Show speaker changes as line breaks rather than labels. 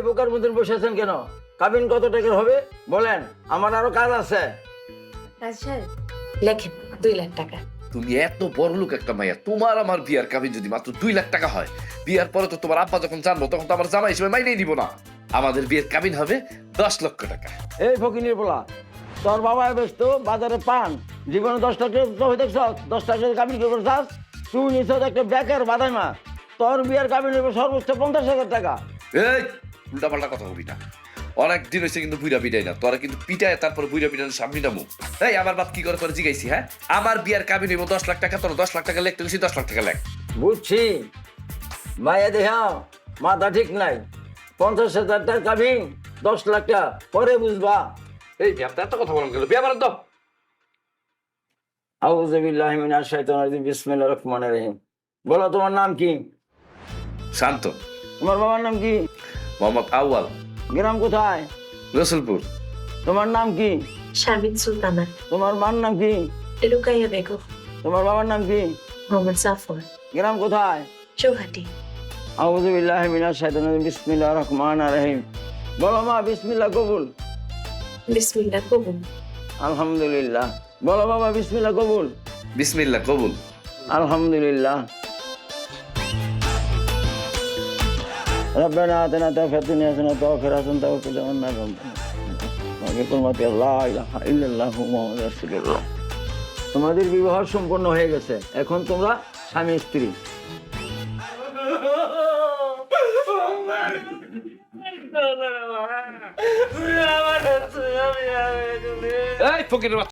বোকার মতন বসে আছেন কেন? কাবিন কত টাকার হবে বলেন, আমার আরো কাজ আছে।
আচ্ছা লেখেন 2 লাখ টাকা।
তুমি এত বড় লোক একটা মাইয়া, তোমার আমার বিয়ার কাবিন যদি মাত্র 2 লাখ টাকা হয়, বিয়ার পরে তো তোমার আব্বা যখন জানবো তখন তো আমার জামাই হিসেবে মাইনেই নিব না। আমাদের বিয়ের কাবিন হবে 10 লক্ষ টাকা।
এই ফকিনির পোলা, তোর বাবা ব্যস্ত বাজারে পান, জীবনে 10 টাকা তো হয়ে দেখছ, 10 টাকা কাবিন করবো চাস? তুই নিছ একটা বেকার বাদাইমা, তোর বিয়ার কাবিন হইব সর্বোচ্চ 50,000 টাকা।
এই উল্টা পাল্টা কথা বলবি না। অনেক দিন হয়েছে কিন্তু বুইরা পিটাই না, তোরা কিন্তু পিটায় তারপর বুইরা পিটানোর সামনে নামু। এই আমার বাপ কি করে তোরা জিগাইছি? হ্যাঁ, আমার বিয়ার কাবিন হইব 10 লাখ টাকা, তোর 10 লাখ টাকা লেখ, তুই 10 লাখ টাকা লেখ।
বুঝছি, মায়া দেহা মাথা ঠিক নাই। 50,000 টাকা কাবিন, 10 লাখ টাকা পরে বুঝবা।
এই বিয়ার এত কথা বলাম গেল, বিয়া বারাদ দাও।
আউযু বিল্লাহি মিনাশ শাইতানির রাজিম, বিসমিল্লাহির রহমানির রহিম। বলো তোমার নাম কি?
শান্ত।
তোমার বাবার নাম কি?
মোহাম্মদ আউয়াল,
গ্রাম কোথায়?
রসুলপুর।
তোমার নাম কি?
শারমিন সুলতানা।
তোমার মার নাম কি?
রুকাইয়া বেগম।
তোমার বাবার নাম কি?
মোহাম্মদ জাফর।
গ্রাম কোথায়?
চৌহাটি।
আউযু বিল্লাহি মিনাশ শাইতানির রাজিম, বিসমিল্লাহির রহমানির রহিম। বলো মা, বিসমিল্লাহ কবুল।
বিসমিল্লাহ কবুল।
আলহামদুলিল্লাহ। বলো বাবা, বিসমিল্লাহ কবুল।
বিসমিল্লাহ কবুল।
আলহামদুলিল্লাহ। ربنا آتنا في الدنيا حسنة وفي الآخرة حسنة وقنا عذاب النار. بكلمة لا إله إلا الله محمد رسول الله. তোমাদের বিবাহ সম্পন্ন হয়ে গেছে, এখন তোমরা স্বামী স্ত্রী।
এই ফকিরের বাচ্চা।